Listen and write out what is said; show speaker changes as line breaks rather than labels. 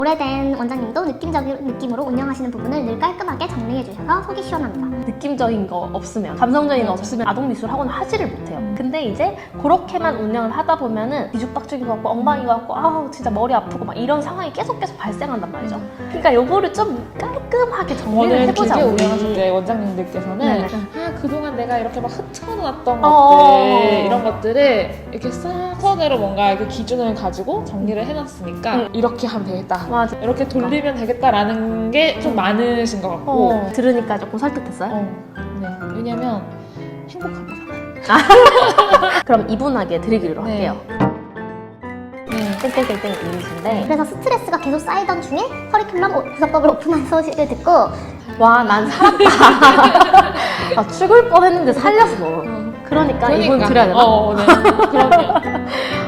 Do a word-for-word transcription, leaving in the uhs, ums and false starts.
오래된 원장님도 느낌적인 느낌으로 운영하시는 부분을 늘 깔끔하게 정리해 주셔서 속이 시원합니다.
느낌적인 거 없으면, 감성적인 거 없으면 아동미술 학원 하지를 못해요. 근데 이제 그렇게만 운영을 하다 보면은 뒤죽박죽인 것 같고 엉망인 것 같고 아우 진짜 머리 아프고 막 이런 상황이 계속 계속 발생한단 말이죠. 그러니까 요거를 좀 깔끔하게 정리를
오늘
해보자.
기계
우리.
운영하실 때 원장님들께서는
네네.
아 그동안 내가 이렇게 막 흩어놨던
어.
것들 이런 것들을 이렇게 싹 선으로 뭔가 이렇게 기준을 가지고 정리를 해놨으니까
응.
이렇게 하면 되겠다.
맞아.
이렇게 돌리면 되겠다라는 게 좀 많으신 것 같고
어, 들으니까 조금 설득됐어요?
어, 네. 왜냐면 행복합니다.
그럼 이분에게 드리기로
네.
할게요.
네.
땡땡땡땡 이미지인데
그래서 스트레스가 계속 쌓이던 중에 커리큘럼 구성법을 오픈한 소식을 듣고
와 난 살았다. 아, 죽을 뻔했는데 살렸어. 그러니까, 이분 드려야 되나?
어, 네. 그럼요.